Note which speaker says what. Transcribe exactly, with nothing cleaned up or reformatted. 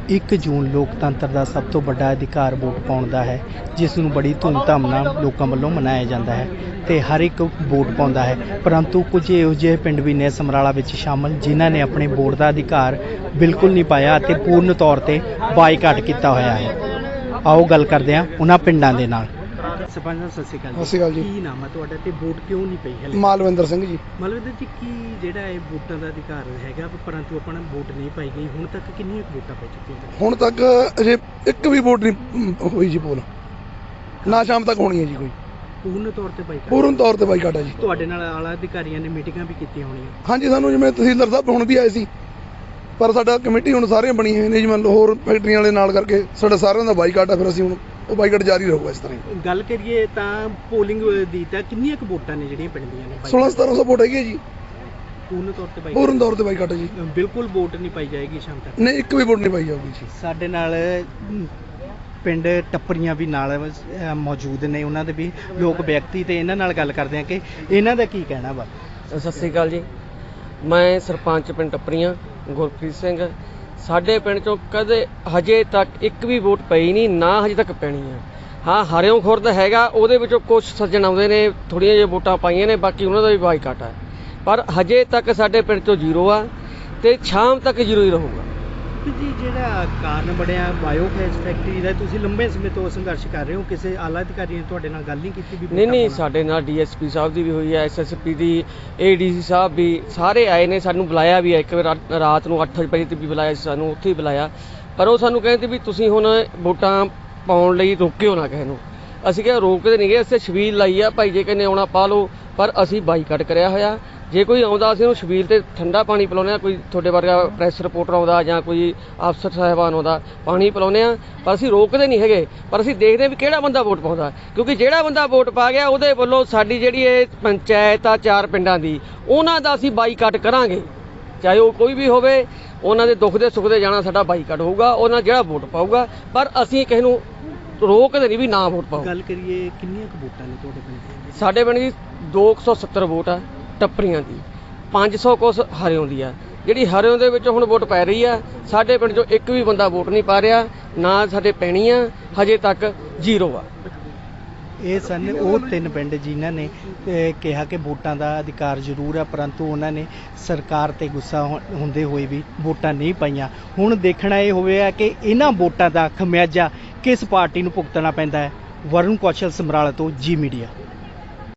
Speaker 1: ਇੱਕ ਜੂਨ ਲੋਕਤੰਤਰ ਦਾ ਸਭ ਤੋਂ ਵੱਡਾ ਅਧਿਕਾਰ ਵੋਟ ਪਾਉਣ ਦਾ ਹੈ, ਜਿਸ ਨੂੰ ਬੜੀ ਧੂਮਧਾਮ ਨਾਲ ਲੋਕਾਂ ਵੱਲੋਂ ਮਨਾਇਆ ਜਾਂਦਾ ਹੈ ਤੇ ਹਰ ਇੱਕ ਵੋਟ ਪਾਉਂਦਾ ਹੈ। ਪਰੰਤੂ ਕੁਝ ਇਹੋ ਜਿਹੇ ਪਿੰਡ ਵੀ ਨੇ ਸਮਰਾਲਾ ਵਿੱਚ ਸ਼ਾਮਲ ਜਿਨ੍ਹਾਂ ਨੇ ਆਪਣੇ ਵੋਟ ਦਾ ਅਧਿਕਾਰ ਬਿਲਕੁਲ ਨਹੀਂ ਪਾਇਆ ਅਤੇ ਪੂਰਨ ਤੌਰ ਤੇ ਬਾਈਕਾਟ ਕੀਤਾ ਹੋਇਆ ਹੈ। ਆਓ ਗੱਲ ਕਰਦੇ ਹਾਂ ਉਹਨਾਂ ਪਿੰਡਾਂ ਦੇ ਨਾਲ। ਸਰਪੰਚ ਸਾਹਿਬ ਸਤਿ ਸ਼੍ਰੀ ਅਕਾਲ।
Speaker 2: ਸਤਿ ਸ਼੍ਰੀ ਅਕਾਲ ਜੀ।
Speaker 1: ਕੀ ਨਾਮ ਹੈ ਤੁਹਾਡਾ ਤੇ ਵੋਟ ਕਿਉਂ ਨਹੀਂ ਪਈ ਹਲੇ?
Speaker 2: ਮਾਲਵਿੰਦਰ ਸਿੰਘ ਜੀ।
Speaker 1: ਮਾਲਵਿੰਦਰ ਜੀ, ਕੀ ਜਿਹੜਾ ਇਹ ਵੋਟਾਂ ਦਾ ਅਧਿਕਾਰ ਹੈਗਾ ਪਰੰਤੂ ਆਪਣਾ ਵੋਟ ਨਹੀਂ ਪਾਈ ਗਈ, ਹੁਣ ਤੱਕ ਕਿੰਨੀਆਂ ਵੋਟਾਂ ਪੈ ਚੁੱਕੀਆਂ?
Speaker 2: ਹੁਣ ਤੱਕ ਅਜੇ ਇੱਕ ਵੀ ਵੋਟ ਨਹੀਂ ਹੋਈ ਜੀ ਪੋਲ, ਨਾ ਸ਼ਾਮ ਤੱਕ ਹੋਣੀ ਹੈ ਜੀ ਕੋਈ।
Speaker 1: ਪੂਰਨ ਤੌਰ ਤੇ ਬਾਈਕਾਟ?
Speaker 2: ਪੂਰਨ ਤੌਰ ਤੇ ਬਾਈਕਾਟ ਹੈ ਜੀ।
Speaker 1: ਤੁਹਾਡੇ ਨਾਲ ਆਲਾ ਅਧਿਕਾਰੀਆਂ ਨੇ ਮੀਟਿੰਗਾਂ ਵੀ ਕੀਤੀਆਂ ਹੋਣੀਆਂ?
Speaker 2: ਹਾਂਜੀ, ਸਾਨੂੰ ਜਿਵੇਂ ਤਹਿਸੀਲਦਾਰ ਸਾਹਿਬ ਹੁਣ ਵੀ ਆਏ ਸੀ, ਪਰ ਸਾਡਾ ਕਮੇਟੀ ਹੁਣ ਸਾਰੀਆਂ ਬਣੀਆਂ ਹੋਈਆਂ ਨੇ ਜੀ। ਮੰਨ ਲਓ ਹੋਰ ਫੈਕਟਰੀਆਂ ਵਾਲੇ ਨਾਲ ਕਰਕੇ ਸਾਡਾ ਸਾਰਿਆਂ ਦਾ ਬਾਈਕਾਟ ਹੈ, ਫਿਰ ਅਸੀਂ ਹੁਣ ਉਹ ਬਾਈਕਾਟ ਜਾਰੀ ਰਹੂਗਾ ਇਸ ਤਰ੍ਹਾਂ।
Speaker 1: ਗੱਲ ਕਰੀਏ ਤਾਂ ਪੋਲਿੰਗ ਦੀ ਤਾਂ ਕਿੰਨੀਆਂ ਕੁ ਵੋਟਾਂ ਨੇ ਜਿਹੜੀਆਂ ਪਿੰਡੀਆਂ ਨੇ?
Speaker 2: ਸੋਲਾਂ ਸਤਾਰਾਂ ਸੌ ਵੋਟ ਹੈਗੀ ਹੈ ਜੀ।
Speaker 1: ਪੂਰਨ ਤੌਰ ਤੇ ਬਾਈਕਾਟ?
Speaker 2: ਪੂਰਨ ਤੌਰ ਤੇ ਬਾਈਕਾਟ ਹੈ ਜੀ।
Speaker 1: ਬਿਲਕੁਲ ਵੋਟ ਨਹੀਂ ਪਾਈ ਜਾਏਗੀ ਸ਼ਾਮ ਤੱਕ?
Speaker 2: ਨਹੀਂ, ਇੱਕ ਵੀ ਵੋਟ ਨਹੀਂ ਪਾਈ ਜਾਊਗੀ ਜੀ। ਸਾਡੇ
Speaker 1: ਨਾਲ ਪਿੰਡ ਟੱਪਰੀਆਂ ਵੀ ਨਾਲ ਮੌਜੂਦ ਨੇ, ਉਹਨਾਂ ਦੇ ਵੀ ਲੋਕ ਵਿਅਕਤੀ ਤੇ ਇਹਨਾਂ ਨਾਲ ਗੱਲ ਕਰਦੇ ਆ ਕਿ ਇਹਨਾਂ ਦਾ ਕੀ ਕਹਿਣਾ ਵਾ।
Speaker 3: ਸਤਿ ਸ਼੍ਰੀ ਅਕਾਲ ਜੀ। ਮੈਂ ਸਰਪੰਚ ਪਿੰਡ ਟੱਪਰੀਆਂ ਗੁਰਪ੍ਰੀਤ ਸਿੰਘ। ਸਾਡੇ ਪਿੰਡ ਚੋਂ ਕਦੇ ਹਜੇ ਤੱਕ ਇੱਕ ਵੀ ਵੋਟ ਪਈ ਨਹੀਂ, ਨਾ ਹਜੇ ਤੱਕ ਪੈਣੀ ਆ। ਹਾਂ, ਹਰਿਓਂ ਖੁਰਦ ਹੈਗਾ, ਉਹਦੇ ਵਿੱਚੋਂ ਕੁਛ ਸੱਜਣ ਆਉਂਦੇ ਨੇ, ਥੋੜ੍ਹੀਆਂ ਜਿਹੀਆਂ ਵੋਟਾਂ ਪਾਈਆਂ ਨੇ, ਬਾਕੀ ਉਹਨਾਂ ਦਾ ਵੀ ਬਾਈਕਾਟ ਹੈ। ਪਰ ਹਜੇ ਤੱਕ ਸਾਡੇ ਪਿੰਡ ਚੋਂ ਜ਼ੀਰੋ ਆ ਤੇ ਸ਼ਾਮ ਤੱਕ ਜ਼ੀਰੋ ਹੀ ਰਹੂਗਾ
Speaker 1: ਜੀ। ਜਿਹੜਾ ਕਾਰਨ ਬਣਿਆ ਬਾਇਓਗੈਸ ਫੈਕਟਰੀ ਦਾ, ਤੁਸੀਂ ਲੰਬੇ ਸਮੇਂ ਤੋਂ ਸੰਘਰਸ਼ ਕਰ ਰਹੇ ਹੋ, ਕਿਸੇ ਆਲਾ ਅਧਿਕਾਰੀ ਨੇ ਤੁਹਾਡੇ ਨਾਲ ਗੱਲ ਨਹੀਂ ਕੀਤੀ? ਵੀ
Speaker 3: ਨਹੀਂ ਨਹੀਂ, ਸਾਡੇ ਨਾਲ ਡੀ ਐਸ ਪੀ ਸਾਹਿਬ ਦੀ ਵੀ ਹੋਈ ਹੈ, ਐਸ ਐਸ ਪੀ ਦੀ, ਏ ਡੀ ਸੀ ਸਾਹਿਬ ਵੀ ਸਾਰੇ ਆਏ ਨੇ, ਸਾਨੂੰ ਬੁਲਾਇਆ ਵੀ ਹੈ। ਇੱਕ ਵਾਰ ਰਾਤ ਨੂੰ ਅੱਠ ਵਜੇ ਤੇ ਵੀ ਬੁਲਾਇਆ ਸੀ, ਸਾਨੂੰ ਉੱਥੇ ਹੀ ਬੁਲਾਇਆ, ਪਰ ਉਹ ਸਾਨੂੰ ਕਹਿੰਦੇ ਵੀ ਤੁਸੀਂ ਹੁਣ ਵੋਟਾਂ ਪਾਉਣ ਲਈ ਰੋਕਿਓ ਨਾ ਕਿਸੇ ਨੂੰ। ਅਸੀਂ ਕਿਹਾ ਰੋਕਦੇ ਨਹੀਂ ਗਏ, ਅਸੀਂ ਛਬੀਲ ਲਾਈ ਆ, ਭਾਈ ਜੇ ਕਹਿੰਦੇ ਆਉਣਾ ਪਾ ਲਓ, ਪਰ ਅਸੀਂ ਬਾਈਕਾਟ ਕਰਿਆ ਹੋਇਆ। ਜੇ ਕੋਈ ਆਉਂਦਾ ਅਸੀਂ ਉਹਨੂੰ ਛਬੀਲ ਤੇ ਠੰਡਾ ਪਾਣੀ ਪਿਲਾਉਂਦੇ ਹਾਂ, ਕੋਈ ਤੁਹਾਡੇ ਵਰਗਾ ਪ੍ਰੈਸ ਰਿਪੋਰਟਰ ਆਉਂਦਾ ਜਾਂ ਕੋਈ ਅਫਸਰ ਸਾਹਿਬਾਨ ਆਉਂਦਾ, ਪਾਣੀ ਪਿਲਾਉਂਦੇ ਹਾਂ, ਪਰ ਅਸੀਂ ਰੋਕਦੇ ਨਹੀਂ ਹੈਗੇ। ਪਰ ਅਸੀਂ ਦੇਖਦੇ ਵੀ ਕਿਹੜਾ ਬੰਦਾ ਵੋਟ ਪਾਉਂਦਾ, ਕਿਉਂਕਿ ਜਿਹੜਾ ਬੰਦਾ ਵੋਟ ਪਾ ਗਿਆ ਉਹਦੇ ਵੱਲੋਂ ਸਾਡੀ ਜਿਹੜੀ ਇਹ ਪੰਚਾਇਤ ਆ ਚਾਰ ਪਿੰਡਾਂ ਦੀ, ਉਹਨਾਂ ਦਾ ਅਸੀਂ ਬਾਈਕਾਟ ਕਰਾਂਗੇ, ਚਾਹੇ ਉਹ ਕੋਈ ਵੀ ਹੋਵੇ। ਉਹਨਾਂ ਦੇ ਦੁੱਖ ਦੇ ਸੁੱਖ ਦੇ ਜਾਣਾ ਸਾਡਾ ਬਾਈਕਾਟ ਹੋਊਗਾ, ਉਹਨਾਂ ਜਿਹੜਾ ਵੋਟ ਪਾਊਗਾ, ਪਰ ਅਸੀਂ ਕਿਸੇ ਨੂੰ ਰੋਕਦੇ ਨਹੀਂ ਵੀ ਨਾ ਵੋਟ ਪਾਓ।
Speaker 1: ਗੱਲ ਕਰੀਏ ਕਿੰਨੀਆਂ ਕੁ ਵੋਟਾਂ ਨੇ ਤੁਹਾਡੇ ਪਿੰਡ?
Speaker 3: ਸਾਡੇ ਪਿੰਡ ਦੀ ਦੋ ਸੌ ਸੱਤਰ ਵੋਟ ਆ ਟੱਪਰੀਆਂ ਦੀ, ਪੰਜ ਸੌ ਕੁਛ ਹਰਿਓਂ ਦੀ ਆ। ਜਿਹੜੀ ਹਰਿਓਂ ਦੇ ਵਿੱਚ ਹੁਣ ਵੋਟ ਪੈ ਰਹੀ ਆ, ਸਾਡੇ ਪਿੰਡ ਚੋਂ ਇੱਕ ਵੀ ਬੰਦਾ ਵੋਟ ਨਹੀਂ ਪਾ ਰਿਹਾ, ਨਾ ਸਾਡੇ ਪੈਣੀ ਆ, ਹਜੇ ਤੱਕ ਜ਼ੀਰੋ ਆ।
Speaker 1: ਇਹ ਸਨ ਉਹ ਤਿੰਨ ਪਿੰਡ ਜਿਨ੍ਹਾਂ ਨੇ ਕਿਹਾ ਕਿ ਵੋਟਾਂ ਦਾ ਅਧਿਕਾਰ ਜ਼ਰੂਰ ਹੈ, ਪਰੰਤੂ ਉਹਨਾਂ ਨੇ ਸਰਕਾਰ ਤੇ ਗੁੱਸਾ ਹੁੰਦੇ ਹੋਏ ਵੀ ਵੋਟਾਂ ਨਹੀਂ ਪਾਈਆਂ। ਹੁਣ ਦੇਖਣਾ ਇਹ ਹੋਵੇਗਾ ਕਿ ਇਹਨਾਂ ਵੋਟਾਂ ਦਾ ਖਮਿਆਜਾ ਕਿਸ ਪਾਰਟੀ ਨੂੰ ਭੁਗਤਣਾ ਪੈਂਦਾ ਹੈ। ਵਰੁਣ ਕੌਸ਼ਲ, ਸਮਰਾਲਾ ਤੋਂ, ਜੀ ਮੀਡੀਆ।